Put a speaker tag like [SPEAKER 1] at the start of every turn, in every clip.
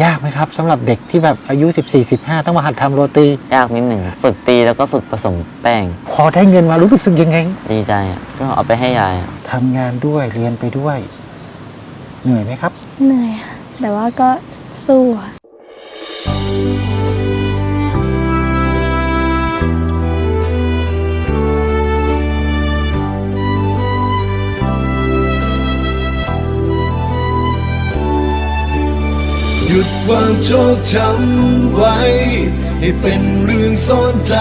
[SPEAKER 1] ยากไหมครับสำหรับเด็กที่แบบอายุ14-15ต้องมาหัดทำโรตี
[SPEAKER 2] ยากนิดหนึ่งฝึกตีแล้วก็ฝึกผสมแป้ง
[SPEAKER 1] พอได้เงินมารู้สึกยังไง
[SPEAKER 2] ดีใจก็เอาไปให้ยาย
[SPEAKER 1] ทำงานด้วยเรียนไปด้วยเหนื่อยไหมครับ
[SPEAKER 3] เหนื่อยค่ะแต่ว่าก็สู้ค่ะ
[SPEAKER 4] หยุดความโชคช้ำไว้ให้เป็นเรื่องซ่อนใจ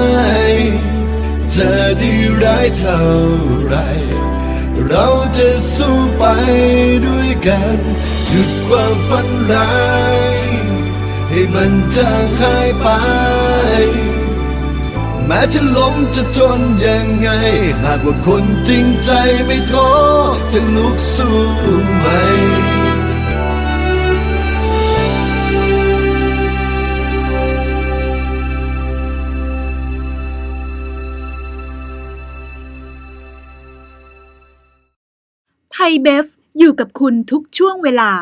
[SPEAKER 4] จะดีร้ายเท่าไรเราจะสู้ไปด้วยกันหยุดความฝันร้ายให้มันจางหายไปแม้จะล้มจะจนยังไงหากว่าคนจริงใจไม่ท้อจะลุกสู้ไหม
[SPEAKER 5] ไทยเบฟอยู่กับคุณทุกช่วงเวลา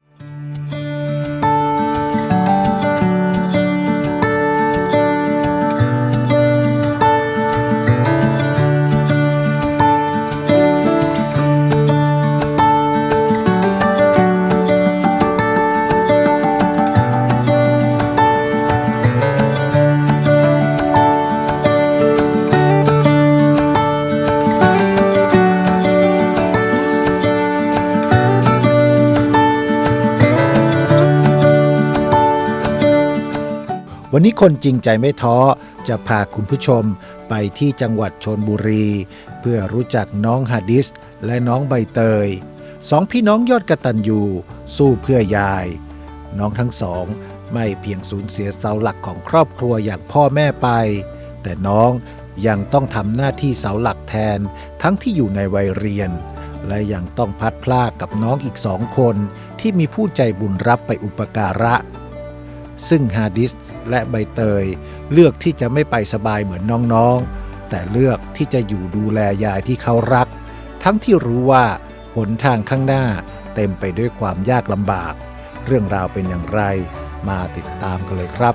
[SPEAKER 6] วันนี้คนจริงใจไม่ท้อจะพาคุณผู้ชมไปที่จังหวัดชลบุรีเพื่อรู้จักน้องฮาดิสและน้องใบเตยสองพี่น้องยอดกตัญญูสู้เพื่อยายน้องทั้งสองไม่เพียงสูญเสียเสาหลักของครอบครัวอย่างพ่อแม่ไปแต่น้องยังต้องทำหน้าที่เสาหลักแทนทั้งที่อยู่ในวัยเรียนและยังต้องพลัดพรากกับน้องอีก2 คนที่มีผู้ใจบุญรับไปอุปการะซึ่งฮาดิสและใบเตยเลือกที่จะไม่ไปสบายเหมือนน้องๆแต่เลือกที่จะอยู่ดูแลยายที่เขารักทั้งที่รู้ว่าหนทางข้างหน้าเต็มไปด้วยความยากลำบากเรื่องราวเป็นอย่างไรมาติดตามกันเลยครับ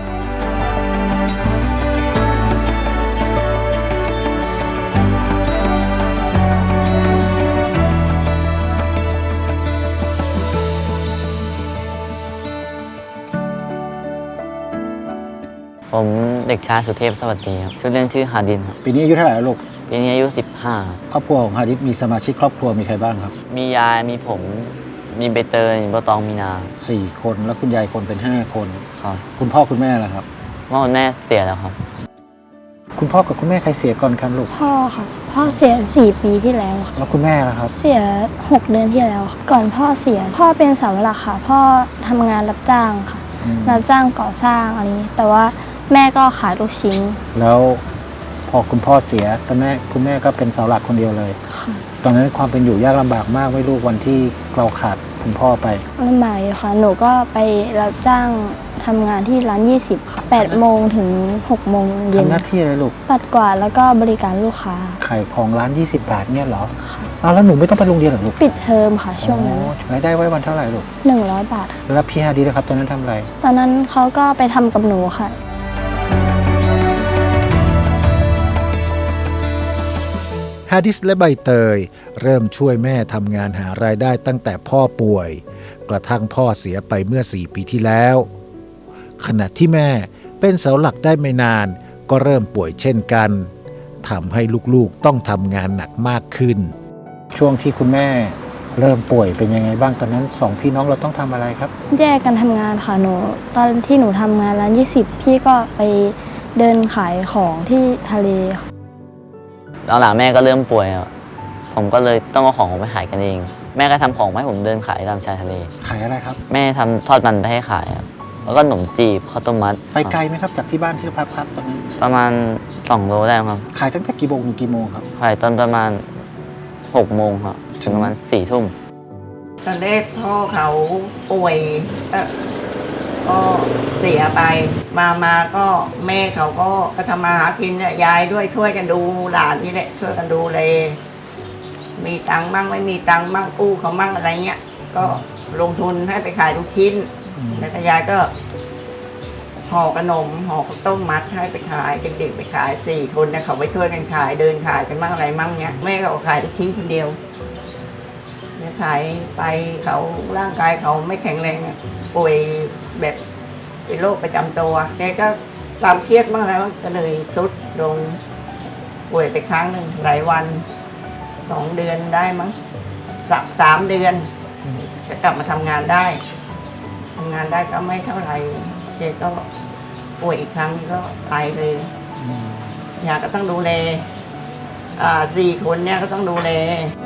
[SPEAKER 2] ผมเด็กชายสุเทพสวัสดีครับชื่อเล่นชื่อฮาดินครับ
[SPEAKER 1] ปีนี้อายุเท่าไหร่ลูก
[SPEAKER 2] ปีนี้อายุ
[SPEAKER 1] ครอบครัวของฮาดิสมีสมาชิกครอบครัวมีใครบ้างครับ
[SPEAKER 2] 15มียายมีผมมีใบเตยมีบัวตองมีนา
[SPEAKER 1] 4 คนแล้วคุณยายคนเป็น5 คน
[SPEAKER 2] ครับ
[SPEAKER 1] คุณพ่อคุณแม่ล่ะครับ
[SPEAKER 2] พ่อคุณแม่เสียแล้วครับ
[SPEAKER 1] คุณพ่อกับคุณแม่ใครเสียก่อนครับลูก
[SPEAKER 3] พ่อค่ะพ่อเสีย4 ปีที่แล้วค่ะ
[SPEAKER 1] แล้วคุณแม่ล่ะครับ
[SPEAKER 3] เสีย6 เดือนที่แล้วค่ะก่อนพ่อเสียพ่อเป็นเสาหลักค่ะพ่อทำงานรับจ้างค่ะรับจ้างก่อสร้างอะไรนี้แต่ว่าแม่ก็ขายลูกชิ้น
[SPEAKER 1] แล้วพอคุณพ่อเสียแต่คุณแม่ก็เป็นเสาหลักคนเดียวเลยตอนนั้นความเป็นอยู่ยากลำบากมากไหมลูกวันที่เราขาดคุณพ่อไป
[SPEAKER 3] ลำบากอยู่ค่ะหนูก็ไปรับจ้างทำงานที่ร้าน20ค่ะ8 โมงถึง6 โมงเย็น
[SPEAKER 1] ทำหน้าที่อะไรลูก
[SPEAKER 3] ปัดกวาดแล้วก็บริการลูกค้า
[SPEAKER 1] ขายของร้าน20 บาทเนี่ยเหรอค่ะแล้วหนูไม่ต้องไปโรงเรียนหรอลูก
[SPEAKER 3] ปิดเทอมค่ะช่วงนั้น
[SPEAKER 1] รายได้ไว้วันเท่าไหร่ลูก
[SPEAKER 3] 100 บาท
[SPEAKER 1] แล้วพี่ฮาดีนะครับตอนนั้นทำอะไร
[SPEAKER 3] ตอนนั้นเขาก็ไปทำกับหนูค่ะ
[SPEAKER 6] ฮาดิสและใบเตยเริ่มช่วยแม่ทำงานหารายได้ตั้งแต่พ่อป่วยกระทั่งพ่อเสียไปเมื่อ4 ปีที่แล้วขณะที่แม่เป็นเสาหลักได้ไม่นานก็เริ่มป่วยเช่นกันทำให้ลูกๆต้องทำงานหนักมากขึ้น
[SPEAKER 1] ช่วงที่คุณแม่เริ่มป่วยเป็นยังไงบ้างตอนนั้น2 พี่น้องเราต้องทำอะไรครับ
[SPEAKER 3] แยกกันทำงานค่ะหนูตอนที่หนูทำงานร้าน20พี่ก็ไปเดินขายของที่ทะเลค่ะ
[SPEAKER 2] หลังๆแม่ก็เริ่มป่วยผมก็เลยต้องเอาของไปขายกันเองแม่ก็ทำของให้ผมเดินขายตามชายทะเล
[SPEAKER 1] ขายอะไรครับ
[SPEAKER 2] แม่ทำทอดมันไปให้ขายครับแล้วก็ขนมจีบข้าวต้มมัด
[SPEAKER 1] ไปไกลไหมครับจากที่บ้านที่พักตอนนั้น
[SPEAKER 2] ประมาณ2 โลได้ครับ
[SPEAKER 1] ขายตั้งแต่กี่โมงถึงกี่โมงครับ
[SPEAKER 2] ขายตอนประมาณ6 โมงครับถึงประมาณ4 ทุ่ม
[SPEAKER 7] ตอนแรกพ่อเขาป่วยก็เสียไปมาก็แม่เขาก็ทำมาหากินยายด้วยช่วยกันดูหลานนี่แหละช่วยกันดูเลยมีตังค์มั่งไม่มีตังค์มั่งกู้เขามั่งอะไรเงี้ยก็ลงทุนให้ไปขายลูกชิ้นแล้วก็ยายก็ห่อขนมห่อข้าวต้มมัดให้ไปขายเด็กๆไปขาย4 คนเนี่ยเขาไปช่วยกันขายเดินขายกันมั่งอะไรมั่งเนี้ยแม่เขาขายลูกชิ้นคนเดียวเนี่ยขายไปเขาร่างกายเขาไม่แข็งแรงอะป่วยแบบเป็นโรคประจำตัวแกก็ความเครียดมากแล้วก็เลยสุดลงป่วยไปครั้งหนึ่งหลายวัน2 เดือนได้มั้ง3 เดือนจะกลับมาทำงานได้ก็ไม่เท่าไหร่แกก็ป่วยอีกครั้งก็ไปเลยยายก็ต้องดูแล4 คนเนี่ยก็ต้องดูแล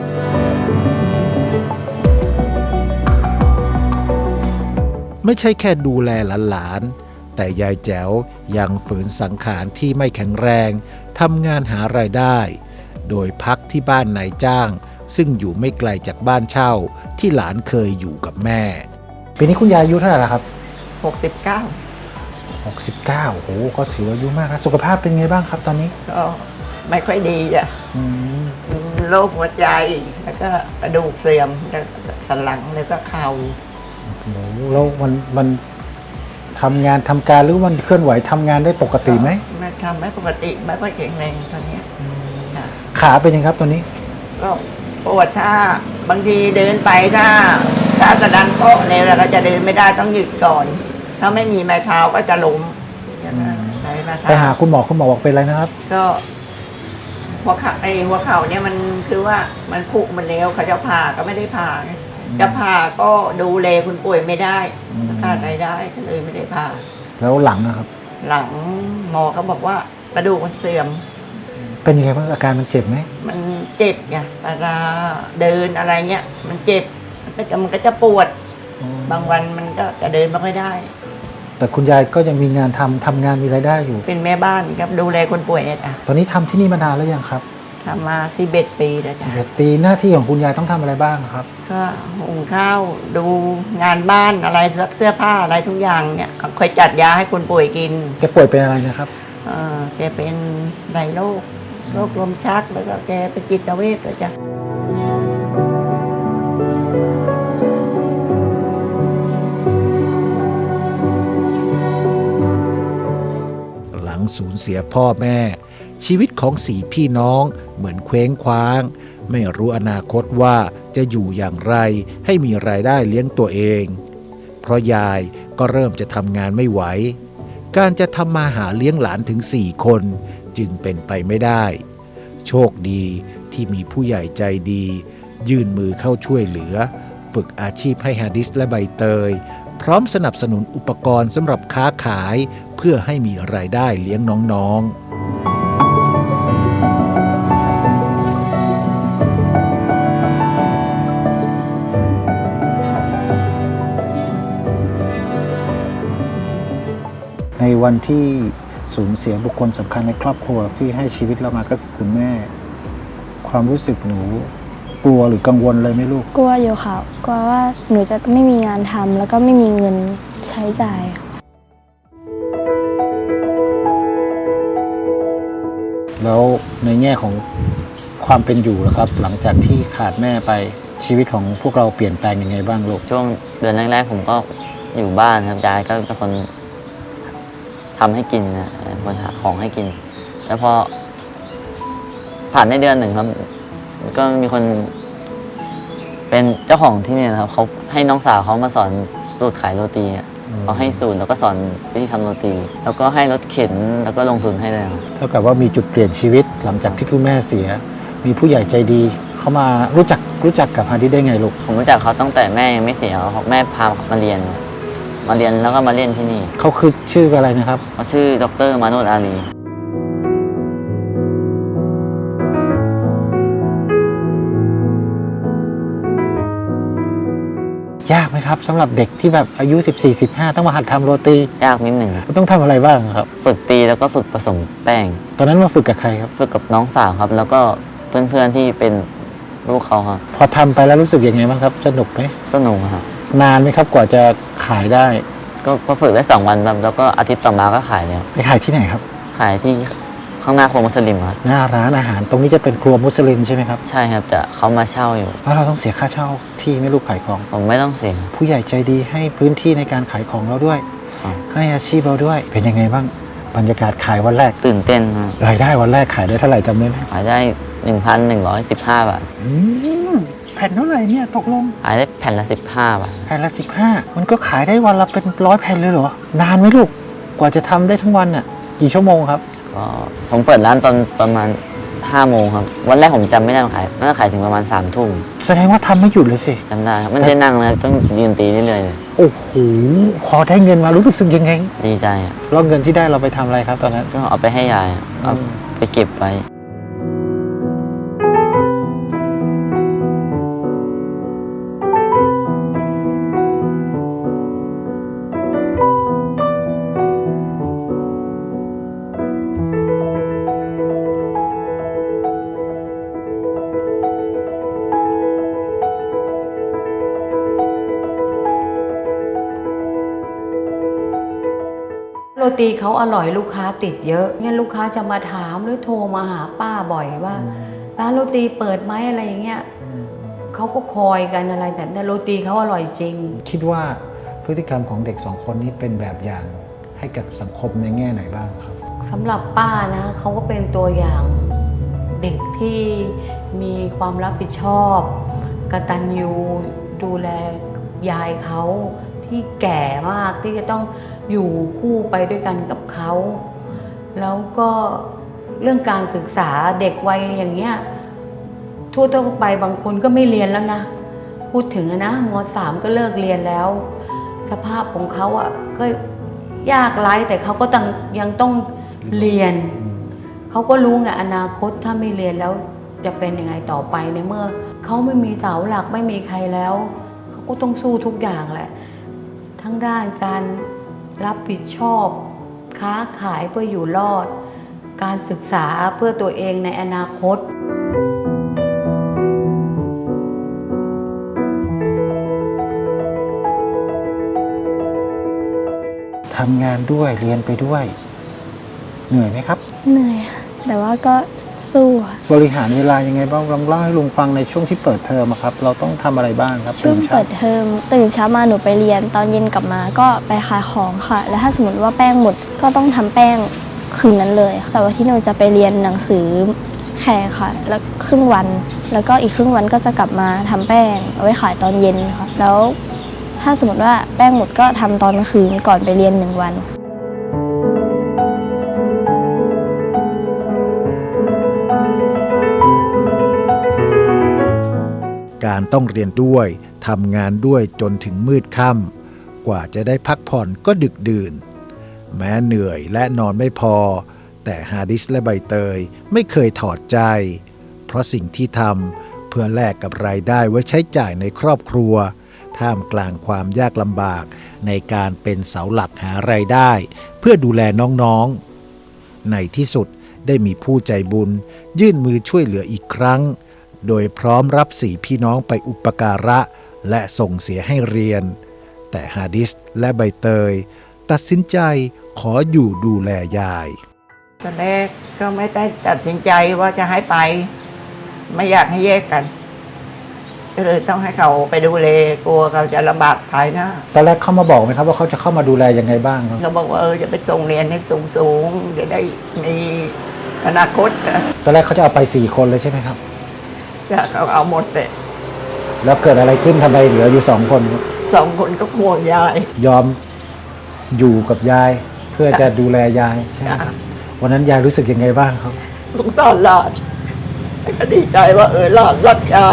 [SPEAKER 6] ไม่ใช่แค่ดูแลหลานๆแต่ยายแจ๋วยังฝืนสังขารที่ไม่แข็งแรงทำงานหารายได้ โดยพักที่บ้านนายจ้าง ซึ่งอยู่ไม่ไกลจากบ้านเช่าที่หลานเคยอยู่กับแม่
[SPEAKER 1] ปีนี้คุณยายอายุเท่าไหร่แล้วครับ
[SPEAKER 7] 69
[SPEAKER 1] 69โอ้โหก็ถือว่าอายุมากนะสุขภาพเป็นไงบ้างครับตอนนี้
[SPEAKER 7] ก็ไม่ค่อยดีจ้ะ
[SPEAKER 1] อืม
[SPEAKER 7] โรคหัวใจแล้วก็กระดูกเสื่อมแล้วก็สันหลังแล้วก็เข่า
[SPEAKER 1] โอ้โหแล้วมันทำงานทำการหรือมันเคลื่อนไหวทำงานได้ปกติไหม
[SPEAKER 7] ไม่ทำไม่ปกติไม่ค่อยแข็งแรงตอนเนี้ยค่ะ
[SPEAKER 1] ขาเป็นยังครับตอนนี้
[SPEAKER 7] ก็ปวดถ้าบางทีเดินไปถ้ากระดันโป๊ะเนี่ยเราก็จะเดินไม่ได้ต้องหยุดก่อน ถ้าไม่มีไม้เท้าก็จะล้มใช้ไม้เท้า
[SPEAKER 1] ไปหาคุณหมอบอกเป็นอะไรนะครับ
[SPEAKER 7] ก็หัวเข่าเนี่ยมันคือว่ามันผุมันแล้วเขาจะผ่าก็ไม่ได้ผ่าไงจะผ่าก็ดูแลคุณป่วยไม่ได้ขาดรายได้ก็เลยไม่ได้ผ่า
[SPEAKER 1] แล้วหลังนะครับ
[SPEAKER 7] หลังหมอเขาบอกว่ากระดูกมันเสื่อม
[SPEAKER 1] เป็นยังไงบ้างอาการมันเจ็บไหม
[SPEAKER 7] มันเจ็บไงเวลาเดินอะไรเงี้ยมันเจ็บมันก็จะปวด บางวันมันก็จะเดินไม่ค่อยได้
[SPEAKER 1] แต่คุณยายก็ยังมีงานทำงานมีรายได้อยู่
[SPEAKER 7] เป็นแม่บ้านครับดูแลคนป่วยเนี่ยอ่ะ
[SPEAKER 1] ตอนนี้ทำที่นี่มานานแล้วยังครับ
[SPEAKER 7] ทำมา11 ปีแล้วจ้ะ
[SPEAKER 1] 11 ปีหน้าที่ของคุณยายต้องทำอะไรบ้างครับ
[SPEAKER 7] ก็หุงข้าวดูงานบ้านอะไรเสื้อผ้าอะไรทุกอย่างเนี่ยคอยจัดยาให้คนป่วยกิน
[SPEAKER 1] แกป่วยเป็นอะไรนะครับ
[SPEAKER 7] แกเป็นหลายโรคลมชักแล้วก็แกเป็นจิตเวชด้วยจ้ะ
[SPEAKER 6] หลังสูญเสียพ่อแม่ ชีวิตของ4 พี่น้องเหมือนเคว้งคว้าง ไม่รู้อนาคตว่าจะอยู่อย่างไรให้มีรายได้เลี้ยงตัวเอง เพราะยายก็เริ่มจะทำงานไม่ไหว การจะทำมาหาเลี้ยงหลานถึง4 คนจึงเป็นไปไม่ได้ โชคดีที่มีผู้ใหญ่ใจดี ยื่นมือเข้าช่วยเหลือ ฝึกอาชีพให้ฮาดิสและใบเตย พร้อมสนับสนุนอุปกรณ์สำหรับค้าขายเพื่อให้มีรายได้เลี้ยงน้องๆ
[SPEAKER 1] ในวันที่สูญเสียบุคคลสำคัญในครอบครัวที่ให้ชีวิตเรามาก็คือคุณแม่ ความรู้สึกหนูกลัวหรือกังวลเลยไหมลูก
[SPEAKER 3] กลัวอยู่ค่ะกลัวว่าหนูจะไม่มีงานทำแล้วก็ไม่มีเงินใช้จ่าย
[SPEAKER 1] แล้วในแง่ของความเป็นอยู่นะครับ หลังจากที่ขาดแม่ไปชีวิตของพวกเราเปลี่ยนแปลงยังไงบ้างลูก
[SPEAKER 2] ช่วงเดือนแรกๆผมก็อยู่บ้านครับยายก็เป็นคนทำให้กินนะเป็นคนหาของให้กิน แล้วพอผ่านได้เดือนหนึ่งครับ ก็มีคนเป็นเจ้าของที่นี่นะครับเขาให้น้องสาวเขามาสอนสูตรขายโรตีอะเขาให้สูตรแล้วก็สอนวิธีทำโรตี แล้วก็ให้รถเข็นแล้วก็ลงทุนให้เลยครับ
[SPEAKER 1] เท่ากับว่ามีจุดเปลี่ยนชีวิตหลังจากที่คุณแม่เสีย มีผู้ใหญ่ใจดีเขามารู้จักกับฮาดิสได้ไงลูก
[SPEAKER 2] ผมรู้จักเขาตั้งแต่แม่ยังไม่เสียครับแม่พามาเรียนแล้วก็มาเรียนที่นี่
[SPEAKER 1] เขาคือชื่ออะไรนะครับ
[SPEAKER 2] เขาชื่อดร.มาโนดอาลี
[SPEAKER 1] ยากไหมครับสำหรับเด็กที่แบบอายุ 14-15 ต้องมาหัดทำโรตี
[SPEAKER 2] ยากนิดหนึ่งครับ
[SPEAKER 1] ต้องทำอะไรบ้างครับ
[SPEAKER 2] ฝึกตีแล้วก็ฝึกผสมแป้ง
[SPEAKER 1] ตอนนั้นมาฝึกกับใครครับ
[SPEAKER 2] ฝึกกับน้องสาวครับ แล้วก็เพื่อนๆที่เป็นลูกเขาครับ
[SPEAKER 1] พอทำไปแล้วรู้สึกยังไงบ้างครับสนุกไหม
[SPEAKER 2] สนุกครับ
[SPEAKER 1] นานไหมครับกว่าจะขายได้
[SPEAKER 2] ก็พอฝึกได้2 วันครับแล้วก็อาทิตย์ต่อมาก็ขายแล้ว
[SPEAKER 1] ไปขายที่ไหนครับ
[SPEAKER 2] ขายที่ข้ข้างหน้าครัวมุสลิมครับ
[SPEAKER 1] หน้าร้านอาหารตรงนี้จะเป็นครัวมุสลิมใช่ไหมครับ
[SPEAKER 2] ใช่ครับจะเขามาเช่าอยู่
[SPEAKER 1] แล้วเราต้องเสียค่าเช่าที่ไม่ลูกขายของ
[SPEAKER 2] ผมไม่ต้องเสีย
[SPEAKER 1] ผู้ใหญ่ใจดีให้พื้นที่ในการขายของเราด้วย
[SPEAKER 2] ครับ
[SPEAKER 1] ให้อาชีพเราด้วย เป็นยังไงบ้างบรรยากาศขายวันแรก
[SPEAKER 2] ตื่นเต้นครับ
[SPEAKER 1] รายได้วันแรกขายได้เท่าไหร่จำได้ไหม
[SPEAKER 2] ขายได้ 1,115 บาท
[SPEAKER 1] แผ่นเท่าไหร่เนี่ยตกลง
[SPEAKER 2] ขายได้แผ่นละ 15 บาท
[SPEAKER 1] แผ่นละ15มันก็ขายได้วันละเป็น100 แผ่นเลยเหรอนานไหมลูกกว่าจะทำได้ทั้งวันน่ะกี่ชั่วโมงครับ
[SPEAKER 2] ก็ผมเปิดร้านตอนประมาณ 5 โมงครับ วันแรกผมจำไม่ได้ว่าขายน่าจะขายถึงประมาณ 3 ทุ่ม
[SPEAKER 1] แสดงว่าทำไม่หยุดเลยสิ
[SPEAKER 2] จำได้ครับไม่ได้นั่งนะครับต้องยืนตีเรื่อยๆเลย
[SPEAKER 1] โอ้โหพอได้เงินมารู้สึกยังไง
[SPEAKER 2] ดีใจอะ
[SPEAKER 1] แล้วเงินที่ได้เราไปทำอะไรครับตอนนั้น
[SPEAKER 2] ก็เอาไปให้ยายอะเอาไปเก็บไว้
[SPEAKER 8] โรตีเขาอร่อยลูกค้าติดเยอะงั้นลูกค้าจะมาถามหรือโทรมาหาป้าบ่อยว่าร้านโรตีเปิดไหมอะไรอย่างเงี้ยเขาก็คอยกันอะไรแบบนี้โรตีเขาอร่อยจริง
[SPEAKER 1] คิดว่าพฤติกรรมของเด็ก2 คนนี้เป็นแบบอย่างให้กับสังคมในแง่ไหนบ้างครับ
[SPEAKER 8] สำหรับป้านะเขาก็เป็นตัวอย่างเด็กที่มีความรับผิดชอบกตัญญูดูแลยายเขาที่แก่มากที่จะต้องอยู่คู่ไปด้วยกันกับเขาแล้วก็เรื่องการศึกษาเด็กวัยอย่างเงี้ยทั่วไปบางคนก็ไม่เรียนแล้วนะพูดถึงนะม.3 ก็เลิกเรียนแล้วสภาพของเขาอ่ะก็ยากไร้แต่เขาก็ยังต้องเรียนเขาก็รู้ไงอนาคตถ้าไม่เรียนแล้วจะเป็นยังไงต่อไปในเมื่อเขาไม่มีเสาหลักไม่มีใครแล้วเขาก็ต้องสู้ทุกอย่างแหละทั้งด้านการรับผิดชอบค้าขายเพื่ออยู่รอดการศึกษาเพื่อตัวเองในอนาคต
[SPEAKER 1] ทำงานด้วยเรียนไปด้วยเหนื่อยไหมครับ
[SPEAKER 3] เหนื่อยค่ะแต่ว่าก็สู้ค่ะ
[SPEAKER 1] บริหารเวลายังไงบ้างลองเล่าให้ลุงฟังในช่วงที่เปิดเทอมอะครับเราต้องทำอะไรบ้างครับ
[SPEAKER 3] ช่วง
[SPEAKER 1] นเช้า
[SPEAKER 3] เปิดเทอมตื่นเช้ามาหนูไปเรียนตอนเย็นกลับมาก็ไปขายของค่ะ แล้วถ้าสมมติว่าแป้งหมดก็ต้องทำแป้งคืนนั้นเลยเสาร์อาทิตย์หนูจะไปเรียนหนังสือแข่ค่ะ แล้วครึ่งวันแล้วก็อีกครึ่งวันก็จะกลับมาทำแป้งเอาไว้ขายตอนเย็นค่ะแล้วถ้าสมมติว่าแป้งหมดก็ทำตอนกลางคืนก่อนไปเรียน1 วัน
[SPEAKER 6] การต้องเรียนด้วยทำงานด้วยจนถึงมืดค่ำกว่าจะได้พักผ่อนก็ดึกดื่น แม้เหนื่อยและนอนไม่พอ แต่ฮาดิสและใบเตยไม่เคยถอดใจ เพราะสิ่งที่ทำเพื่อแลกกับรายได้ไว้ใช้จ่ายในครอบครัว ท่ามกลางความยากลำบากในการเป็นเสาหลักหารายได้ เพื่อดูแลน้องๆในที่สุดได้มีผู้ใจบุญยื่นมือช่วยเหลืออีกครั้ง โดยพร้อมรับ4 พี่น้องไปอุปการะและส่งเสียให้เรียน แต่ฮาดิสและใบเตยตัดสินใจขออยู่ดูแลยาย
[SPEAKER 7] ตอนแรกก็ไม่ได้ตัดสินใจว่าจะให้ไป ไม่อยากให้แยกกัน ก็เลยต้องให้เขาไปดูแลกลัวเขาจะลำบากภายหน้า
[SPEAKER 1] ตอนแรกเขามาบอกไหมครับว่าเขาจะเข้ามาดูแลยังไงบ้างครับ
[SPEAKER 7] เขาบอกว่าจะไปส่งเรียนให้สูงๆจะได้มีอนาคตนะ
[SPEAKER 1] ตอนแรกเขาจะเอาไป4 คนเลยใช่ไหมครับ
[SPEAKER 7] จะเขาเอาหมดเลย
[SPEAKER 1] แล้วเกิดอะไรขึ้นทำไมเหลืออยู่2 คนครับ
[SPEAKER 7] 2 คนก็ควงยาย
[SPEAKER 1] ยอมอยู่กับยายเพื่อจะดูแลยายใช่ไหมครับวันนั้นยายรู้สึกยังไงบ้างครับ
[SPEAKER 7] สงสารหลานแต่ก็ดีใจว่าหลานรักยาย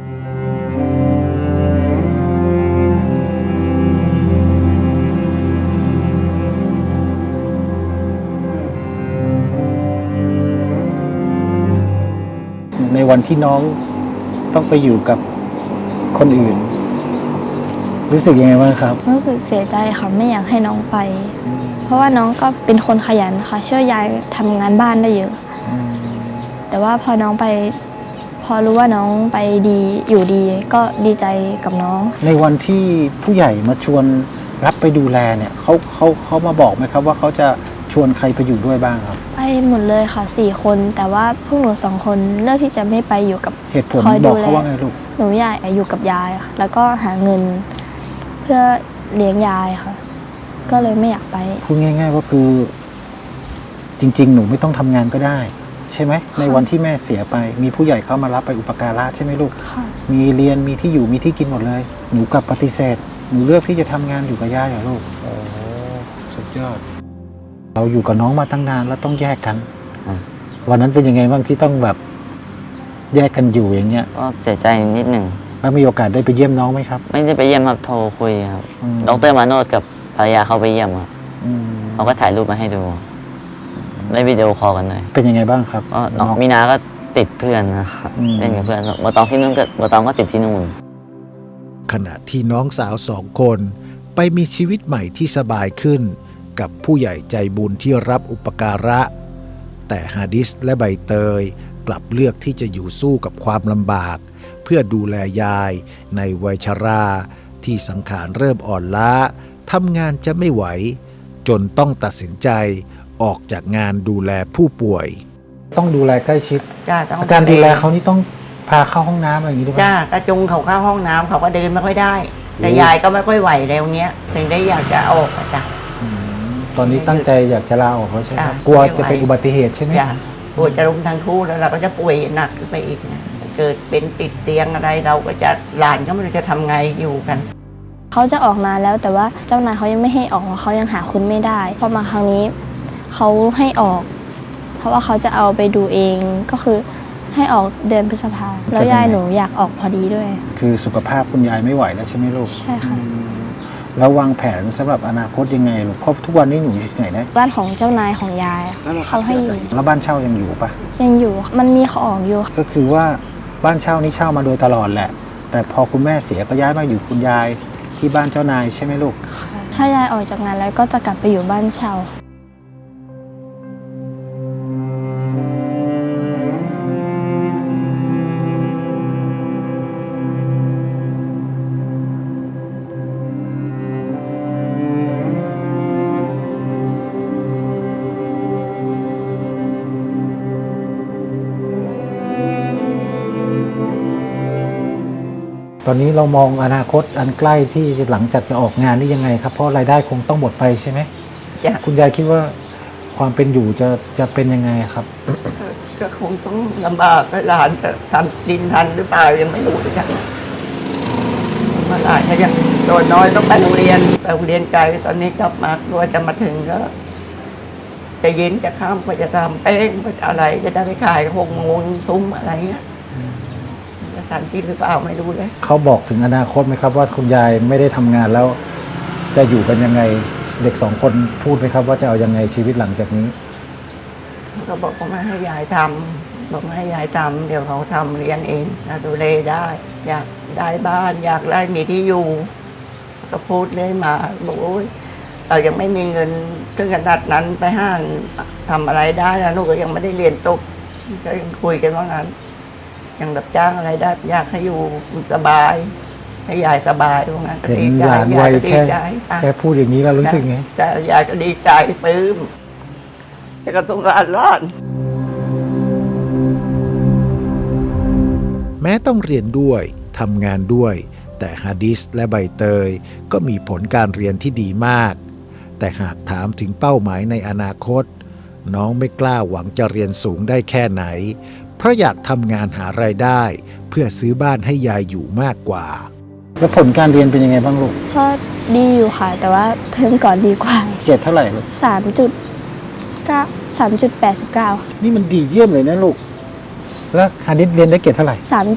[SPEAKER 1] ในวันที่น้องต้องไปอยู่กับคนอื่น รู้สึกยังไงบ้างครับ
[SPEAKER 3] รู้สึกเสียใจค่ะไม่อยากให้น้องไป เพราะว่าน้องก็เป็นคนขยันค่ะช่วยยายทำงานบ้านได้เยอะแต่ว่าพอน้องไปพอรู้ว่าน้องไปดีอยู่ดีก็ดีใจกับน้อง
[SPEAKER 1] ในวันที่ผู้ใหญ่มาชวนรับไปดูแลเนี่ยเขามาบอกไหมครับว่าเขาจะชวนใครไปอยู่ด้วยบ้างครับ
[SPEAKER 3] ไปหมดเลยค่ะ4 คน แต่ว่าพวกหนู2 คนเลือกที่จะไม่ไปอยู่กับ
[SPEAKER 1] เหตุผล
[SPEAKER 3] คอย
[SPEAKER 1] บ
[SPEAKER 3] ดู
[SPEAKER 1] อก
[SPEAKER 3] แล
[SPEAKER 1] เขาว่าไงลูก
[SPEAKER 3] หนูอยากอยู่กับยายค่ะแล้วก็หาเงินเพื่อเลี้ยงยายค่ะ ก็เลยไม่อยากไป
[SPEAKER 1] พูดง่ายๆว่าคือ จริง ๆ หนูไม่ต้องทำงานก็ได้ ใช่ไหมในวันที่แม่เสียไป มีผู้ใหญ่เข้ามารับไปอุปการะใช่ไหมลูก
[SPEAKER 3] ค่ะ
[SPEAKER 1] มีเรียนมีที่อยู่มีที่กินหมดเลย หนูกลับปฏิเสธ หนูเลือกที่จะทำงานอยู่กับย่าเหรอลูกโอ้สุดยอด เราอยู่กับน้องมาตั้งนานแล้วต้องแยกกัน
[SPEAKER 2] อืม
[SPEAKER 1] วันนั้นเป็นยังไงบ้างที่ต้องแบบแยกกันอยู่อย่างเงี้ย
[SPEAKER 2] ก็เสียใจนิดหนึ่ง
[SPEAKER 1] แล้วมีโอกาสได้ไปเยี่ยมน้องไหมครับ
[SPEAKER 2] ไม่ได้ไปเยี่ยมครับโทรคุยครับ
[SPEAKER 1] อืม
[SPEAKER 2] ดรมาโนดกับภรรยาเขาไปเยี่ยมครับ
[SPEAKER 1] อืม
[SPEAKER 2] เขาก็ถ่ายรูปมาให้ดูได้วิดีโอคอลกันเลย
[SPEAKER 1] เป็นยังไงบ้างครับ
[SPEAKER 2] ก็น้องมีนาก็ติดเพื่อนนะครับ
[SPEAKER 1] อืม
[SPEAKER 2] เล่นกับเพื่อนบอตองที่นู่นก็บอตองก็ติดที่นู่น
[SPEAKER 6] ขณะที่น้องสาว2 คนไปมีชีวิตใหม่ที่สบายขึ้น กับผู้ใหญ่ใจบุญที่รับอุปการะ แต่ฮาดิสและใบเตยกลับเลือกที่จะอยู่สู้กับความลำบาก เพื่อดูแลยายในวัยชราที่สังขารเริ่มอ่อนล้าทำงานจะไม่ไหว จนต้องตัดสินใจออกจากงานดูแลผู้ป่วย
[SPEAKER 1] ต้องดูแลใกล้ชิด
[SPEAKER 7] จ้าต้อง
[SPEAKER 1] การดูแลเขานี่ต้องพาเข้าห้องน้ำอะไรอย่างนี้ด้วยไหม
[SPEAKER 7] จ้ากระจุงเขาเข้าห้องน้ำเขาก็เดินไม่ค่อยได้ แต่ยายก็ไม่ค่อยไหวแล้วเนี้ย ถึงได้อยากจะออกอะจ้ะ
[SPEAKER 1] อืมตอนนี้ตั้งใจอยากจะลาออกแล้วใช่ไหมครับ
[SPEAKER 7] จ้ะ
[SPEAKER 1] กลัวจะเป็นอุบัติเหตุใช่ไหม
[SPEAKER 7] จ้ะปวดจะล้มทั้งคู่แล้วเราก็จะป่วยหนักขึ้นไปอีกนะเกิดเป็นติดเตียงอะไรเราก็จะหลานก็ไม่รู้จะทำไงอยู่กัน
[SPEAKER 3] เขาจะออกมาแล้วแต่ว่าเจ้านายเขายังไม่ให้ออกเพราะเขายังหาคุณไม่ได้พอมาครั้งนี้เขาให้ออก เพราะว่าเขาจะเอาไปดูเองก็คือให้ออกเดือนพฤษภาแล้วยายหนูอยากออกพอดีด้วย
[SPEAKER 1] คือสุขภาพคุณยายไม่ไหวแล้วใช่ไหมลูก
[SPEAKER 3] ใช่ค่ะ
[SPEAKER 1] แล้ววางแผนสำหรับอนาคตยังไงลูกเพราะทุกวันนี้หนูอยู่ที่ไหนนะ
[SPEAKER 3] บ้านของเจ้านายของยายเขาให้อยู่
[SPEAKER 1] แล้วบ้านเช่ายังอยู่ปะ
[SPEAKER 3] ยังอยู่มันมีของอยู่
[SPEAKER 1] ก็คือว่าบ้านเช่านี้เช่ามาโดยตลอดแหละ แต่พอคุณแม่เสียก็ย้ายมาอยู่คุณยายที่บ้านเจ้านายใช่ไหมลูก
[SPEAKER 3] ถ้ายายออกจากงานแล้วก็จะกลับไปอยู่บ้านเช่า
[SPEAKER 1] ตอนนี้เรามองอนาคตอันใกล้ที่หลังจากจะออกงานนี่ยังไงครับ เพราะรายได้คงต้องหมดไปใช่ไหม
[SPEAKER 7] จ้ะ
[SPEAKER 1] คุณยายคิดว่าความเป็นอยู่จะเป็นยังไงครับ
[SPEAKER 7] ก็คงต้องลำบากให้หลานจะทำดินทันหรือเปล่ายังไม่รู้เลยจ้ะมาหลานก็ยังตัวน้อยต้องไปโรงเรียนไกลตอนนี้กลับมากลัวจะมาถึงก็จะเย็นจะข้ามก็จะทำแป้งก็จะอะไรจะได้ไปขาย6 โมงทุ่มอะไรเงี้ยจะทันกินหรือเปล่าไม่รู้เลย
[SPEAKER 1] เขาบอกถึงอนาคตไหมครับว่าคุณยายไม่ได้ทำงานแล้ว จะอยู่กันยังไงเด็ก2 คนพูดไหมครับว่าจะเอายังไงชีวิตหลังจากนี้
[SPEAKER 7] ก็บอกว่าไม่ให้ยายทำบอกไม่ให้ยายทำเดี๋ยวเขาทำเรียนเองนะดูแลได้ อยากได้บ้านอยากได้มีที่อยู่ ก็พูดเลยมาบอกโอ้ยเรายังไม่มีเงินถึงขนาดนั้นไปห้างทำอะไรได้นะลูกก็ยังไม่ได้เรียนจบก็ยังคุยกันว่างั้นยังรับจ้างอะไรได้อยากให้อยู่สบาย ให้ยายสบายว่างั้นก็
[SPEAKER 1] เห็น
[SPEAKER 7] ดีใจ
[SPEAKER 1] หลาน
[SPEAKER 7] ยา
[SPEAKER 1] วั
[SPEAKER 7] ย
[SPEAKER 1] ย
[SPEAKER 7] ก็ดี
[SPEAKER 1] แค่
[SPEAKER 7] ใจจ้ะ
[SPEAKER 1] แค่พูดอย่างนี้แล้วรู้สึกไง
[SPEAKER 7] แต่ยายก็ดีใจปลื้มแต่ก็สงสารหลาน
[SPEAKER 6] แม้ต้องเรียนด้วยทำงานด้วย แต่ฮาดิสและใบเตยก็มีผลการเรียนที่ดีมาก แต่หากถามถึงเป้าหมายในอนาคต น้องไม่กล้าหวังจะเรียนสูงได้แค่ไหน เพราะอยากทำงานหารายได้ เพื่อซื้อบ้านให้ยายอยู่มากกว่า
[SPEAKER 1] แล้วผลการเรียนเป็นยังไงบ้างลูก
[SPEAKER 3] ก็ดีอยู่ค่ะ แต่ว่าเทอมก่อนดีกว่า
[SPEAKER 1] เกรดเท่าไหร่ลูก
[SPEAKER 3] 3.89
[SPEAKER 1] นี่มันดีเยี่ยมเลยนะลูกแล้วฮานิดเรียนได้เกรดเท่าไหร่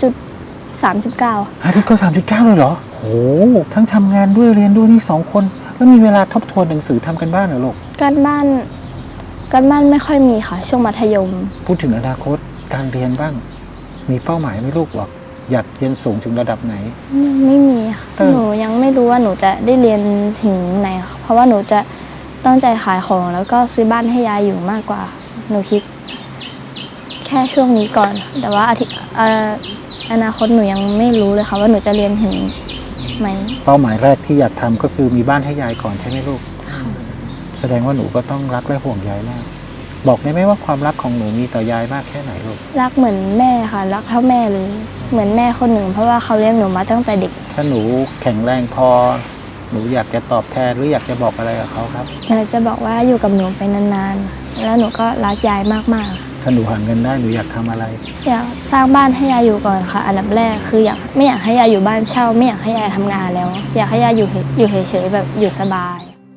[SPEAKER 3] 3.39
[SPEAKER 1] ฮานิดก็3.9เลยเหรอโหทั้งทำงานด้วยเรียนด้วยนี่2 คนแล้วมีเวลาทบทวนหนังสือทำกันบ้านเหรอลูก
[SPEAKER 3] การบ้านไม่ค่อยมีค่ะ ช่วงมัธยม
[SPEAKER 1] พูดถึงอนาคตการเรียนบ้าง มีเป้าหมายไหมลูกบอกอยากเรียนสูงถึงระดับไหน
[SPEAKER 3] ยังไม่มีค่ะ
[SPEAKER 1] เออ
[SPEAKER 3] หนูยังไม่รู้ว่าหนูจะได้เรียนถึงไหนค่ะเพราะว่าหนูจะตั้งใจขายของแล้วก็ซื้อบ้านให้ยายอยู่มากกว่า หนูคิด แค่ช่วงนี้ก่อน แต่ว่าอนาคตหนูยังไม่รู้เลยค่ะว่าหนูจะเรียนถึงไหม
[SPEAKER 1] เป้าหมายแรกที่อยากทำก็คือมีบ้านให้ยายก่อนใช่ไหมลูกแสดงว่าหนูก็ต้องรักและห่วงยายมากบอกได้ไหมว่าความรักของหนูมีต่อยายมากแค่ไหนลูก
[SPEAKER 3] รักเหมือนแม่ค่ะรักเท่าแม่เลยเหมือนแม่คนหนึ่งเพราะว่าเขาเลี้ยงหนูมาตั้งแต่เด็ก
[SPEAKER 1] ถ้าหนูแข็งแรงพอหนูอยากจะตอบแทนหรืออยากจะบอกอะไรกับเขาครับ
[SPEAKER 3] อยากจะบอกว่าอยู่กับหนูไปนานๆแล้วหนูก็รักยายมากๆ
[SPEAKER 1] ถ้าหนูหาเงินได้หนูอยากทำอะไร
[SPEAKER 3] อยากสร้างบ้านให้ยายอยู่ก่อนค่ะ อันดับแรกคือไม่อยากให้ยายอยู่บ้านเช่า ไม่อยากให้ยายทำงานแล้ว อยากให้ยายอยู่เฉยๆแบบอยู่สบาย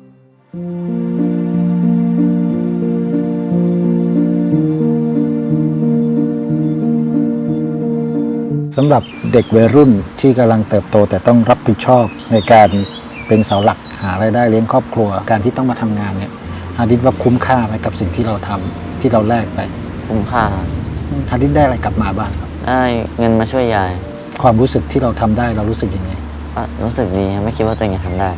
[SPEAKER 1] สำหรับเด็กวัยรุ่นที่กำลังเติบโตแต่ต้องรับผิดชอบในการเป็นเสาหลักหารายได้เลี้ยงครอบครัวการที่ต้องมาทำงานเนี่ยฮาดิษว่าคุ้มค่าไหมกับสิ่งที่เราทำที่เราแลกไป
[SPEAKER 2] คุ้มค่า
[SPEAKER 1] ฮาดิษได้อะไรกลับมาบ้างครับ
[SPEAKER 2] ได้เงินมาช่วยยาย
[SPEAKER 1] ความรู้สึกที่เราทำได้เรารู้สึกยังไง
[SPEAKER 2] ก็รู้สึกดีครับไม่คิดว่าตัวเองจะทำได้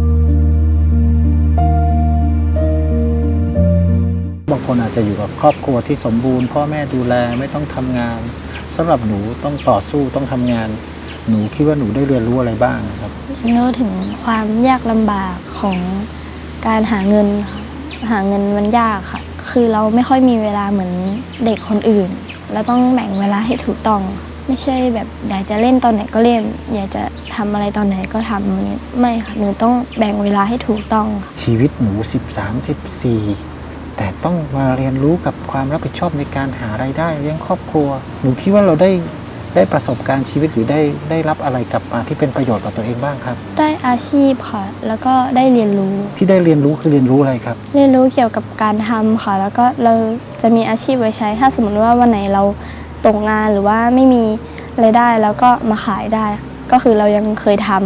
[SPEAKER 1] บางคนอาจจะอยู่กับครอบครัวที่สมบูรณ์พ่อแม่ดูแลไม่ต้องทำงานสำหรับหนูต้องต่อสู้ต้องทำงาน หนูคิดว่าหนูได้เรียนรู้อะไรบ้างครับ
[SPEAKER 3] รู้ถึงความยากลำบากของการหาเงินค่ะหาเงินมันยากค่ะ คือเราไม่ค่อยมีเวลาเหมือนเด็กคนอื่นเราต้องแบ่งเวลาให้ถูกต้อง ไม่ใช่แบบอยากจะเล่นตอนไหนก็เล่น อยากจะทำอะไรตอนไหนก็ทำอย่างเงี้ยไม่ค่ะหนูต้องแบ่งเวลาให้ถูกต้องค่ะ
[SPEAKER 1] ชีวิตหนู13-14แต่ต้องมาเรียนรู้กับความรับผิดชอบในการหารายได้เลี้ยงครอบครัว หนูคิดว่าเราได้ประสบการณ์ชีวิตหรือได้รับอะไรกลับมาที่เป็นประโยชน์กับตัวเองบ้างครับ
[SPEAKER 3] ได้อาชีพค่ะ แล้วก็ได้เรียนรู้
[SPEAKER 1] ที่ได้เรียนรู้คือเรียนรู้อะไรครับ
[SPEAKER 3] เรียนรู้เกี่ยวกับการทำค่ะ แล้วก็เราจะมีอาชีพไว้ใช้ ถ้าสมมติว่าวันไหนเราตกงานหรือว่าไม่มีรายได้แล้วก็มาขายได้ ก็คือเรายังเคยทำ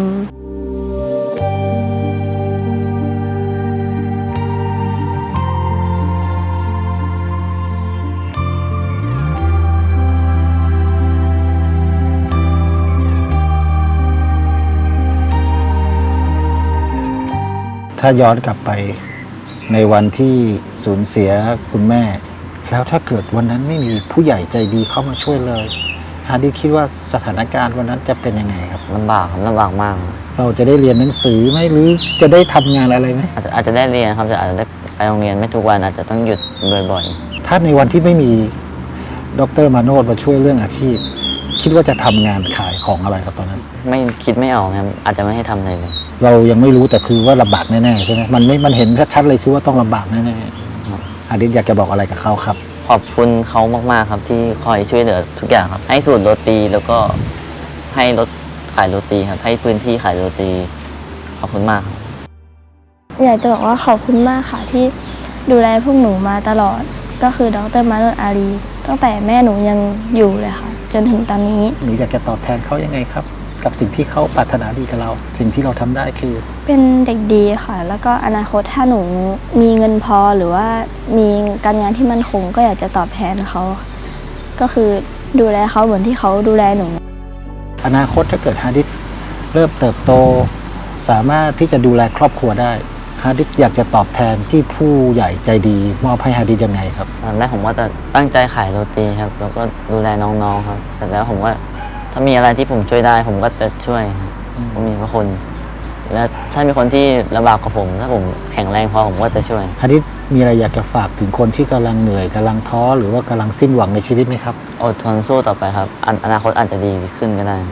[SPEAKER 1] ถ้าย้อนกลับไปในวันที่สูญเสียคุณแม่ แล้วถ้าเกิดวันนั้นไม่มีผู้ใหญ่ใจดีเข้ามาช่วยเลยฮาดิษคิดว่าสถานการณ์วันนั้นจะเป็นยังไงครับ
[SPEAKER 2] ลำบากครับลำบากมากครับ
[SPEAKER 1] เราจะได้เรียนหนังสือไหมหรือจะได้ทำงานอะไรไหม
[SPEAKER 2] อาจจะได้เรียนครับแต่อาจจะได้ไปโรงเรียนไม่ทุกวันอาจจะต้องหยุดบ่อย
[SPEAKER 1] ถ้าในวันที่ไม่มีดร.มาโนดมาช่วยเรื่องอาชีพ คิดว่าจะทำงานขายของอะไรครับตอนนั้น
[SPEAKER 2] ๆไม่คิดไม่ออกครับอาจจะไม่ให้ทำอะไรเลย
[SPEAKER 1] เรายังไม่รู้แต่คือว่าลำบากแน่ๆใช่ไหมมันเห็นชัดๆเลยคือว่าต้องลำบากแน่ๆฮาดิษอยากจะบอกอะไรกับเขาครับ
[SPEAKER 2] ขอบคุณเขามากๆครับที่คอยช่วยเหลือทุกอย่างครับให้สูตรโรตีแล้วก็ให้รถขายโรตีครับให้พื้นที่ขายโรตีขอบคุณมากครับ
[SPEAKER 3] อยากจะบอกว่าขอบคุณมากค่ะที่ดูแลพวกหนูมาตลอด ก็คือดร.มาโนดอาลีตั้งแต่แม่หนูยังอยู่เลยค่ะ จนถึงตอนนี้
[SPEAKER 1] หนูอยากจะตอบแทนเขายังไงครับ กับสิ่งที่เขาปรารถนาดีกับเรา สิ่งที่เราทำได้คือ
[SPEAKER 3] เป็นเด็กดีค่ะ แล้วก็อนาคตถ้าหนูมีเงินพอหรือว่ามีการงานที่มั่นคงก็อยากจะตอบแทนเขาก็คือดูแลเขาเหมือนที่เขาดูแลหนู
[SPEAKER 1] อนาคตถ้าเกิดฮาดิษเริ่มเติบโต สามารถที่จะดูแลครอบครัวได้ฮาดิษอยากจะตอบแทนที่ผู้ใหญ่ใจดีมอบให้ฮาดิษยังไงครับ
[SPEAKER 2] ตอนแรกผมว่าจะตั้งใจขายโรตีครับแล้วก็ดูแลน้องๆครับเสร็จแล้วผมว่าถ้ามีอะไรที่ผมช่วยได้ผมก็จะช่วยครับผมมีพระคุณและถ้ามีคนที่ลำบากกว่าผมถ้าผมแข็งแรงพอผมก็จะช่วย
[SPEAKER 1] ฮาดิษมีอะไรอยากจะฝากถึงคนที่กำลังเหนื่อยกำลังท้อหรือว่ากำลังสิ้นหวังในชีวิตไหมครับ
[SPEAKER 2] อดทนสู้ต่อไปครับอนาคตอาจจะดีขึ้นก็ได้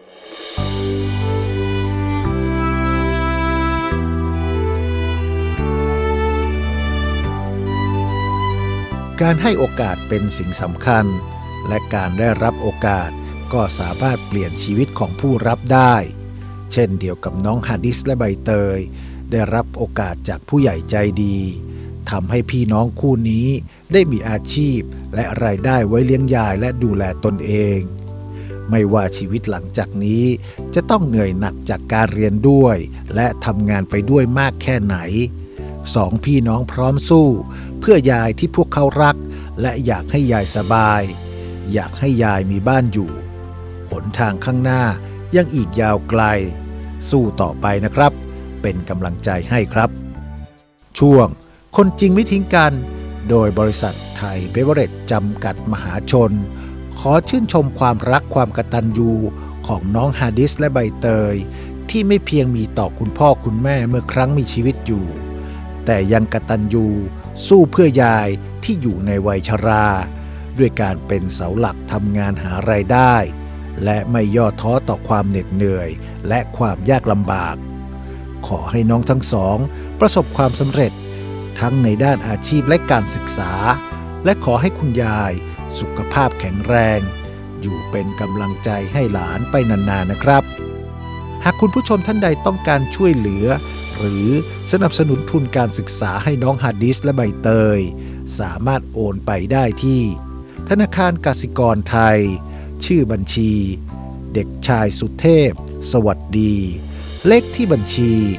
[SPEAKER 6] การให้โอกาสเป็นสิ่งสำคัญ และการได้รับโอกาสก็สามารถเปลี่ยนชีวิตของผู้รับได้ เช่นเดียวกับน้องฮาดิษและใบเตยได้รับโอกาสจากผู้ใหญ่ใจดีทำให้พี่น้องคู่นี้ได้มีอาชีพและรายได้ไว้เลี้ยงยายและดูแลตนเอง ไม่ว่าชีวิตหลังจากนี้จะต้องเหนื่อยหนักจากการเรียนด้วยและทำงานไปด้วยมากแค่ไหนสองพี่น้องพร้อมสู้เพื่อยายที่พวกเขารักและอยากให้ยายสบายอยากให้ยายมีบ้านอยู่หนทางข้างหน้ายังอีกยาวไกลสู้ต่อไปนะครับเป็นกำลังใจให้ครับช่วงคนจริงไม่ทิ้งกันโดยบริษัทไทยเบเวอเรจจำกัดมหาชนขอชื่นชมความรักความกตัญญูของน้องฮาดิษและใบเตยที่ไม่เพียงมีต่อคุณพ่อคุณแม่เมื่อครั้งมีชีวิตอยู่แต่ยังกตัญญูสู้เพื่อยายที่อยู่ในวัยชรา ด้วยการเป็นเสาหลักทำงานหารายได้ และไม่ย่อท้อต่อความเหน็ดเหนื่อยและความยากลำบาก ขอให้น้องทั้งสองประสบความสำเร็จทั้งในด้านอาชีพและการศึกษา และขอให้คุณยายสุขภาพแข็งแรง อยู่เป็นกำลังใจให้หลานไปนานๆนะครับ หากคุณผู้ชมท่านใดต้องการช่วยเหลือ หรือสนับสนุนทุนการศึกษาให้น้องฮาดิสและใบเตย สามารถโอนไปได้ที่ ธนาคารกสิกรไทย ชื่อบัญชี เด็กชายสุเทพ สวัสดี เลขที่บัญชี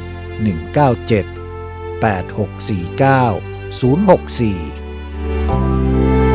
[SPEAKER 6] 197 8649 064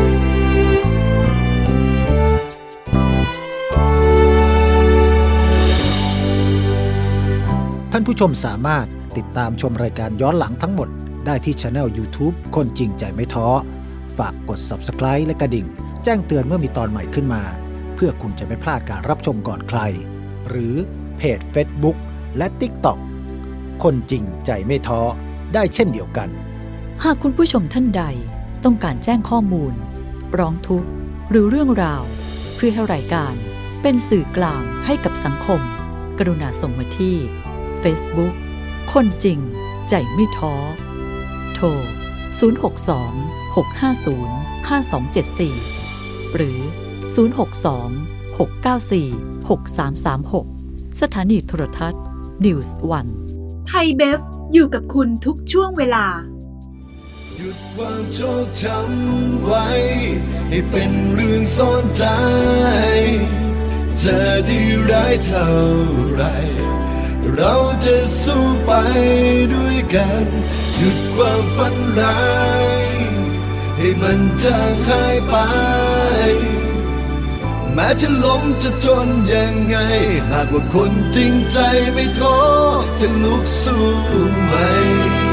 [SPEAKER 6] ท่านผู้ชมสามารถติดตามชมรายการย้อนหลังทั้งหมดได้ที่ Channel YouTube คนจริงใจไม่ท้อ ฝากกด Subscribe และกระดิ่ง แจ้งเตือนเมื่อมีตอนใหม่ขึ้นมา เพื่อคุณจะไม่พลาดการรับชมก่อนใคร หรือเพจ Facebook และ TikTok คนจริงใจไม่ท้อได้เช่นเดียวกัน
[SPEAKER 9] หากคุณผู้ชมท่านใดต้องการแจ้งข้อมูล ร้องทุกข์หรือเรื่องราว เพื่อให้รายการเป็นสื่อกลางให้กับสังคม กรุณาส่งมาที่ Facebook คนจริงใจไม่ท้อ โทร 062-650-5274 หรือ 062-694-6336 สถานีโทรทัศน์ News One
[SPEAKER 5] ไทยเบฟอยู่กับคุณทุกช่วงเวลา
[SPEAKER 4] หยุดความโชคช้ำไว้ ให้เป็นเรื่องซ่อนใจ จะดีร้ายเท่าไร เราจะสู้ไปด้วยกัน หยุดความฝันร้าย ให้มันจางหายไป แม้จะล้มจะจนยังไง หากว่าคนจริงใจไม่ท้อจะลุกสู้ใหม่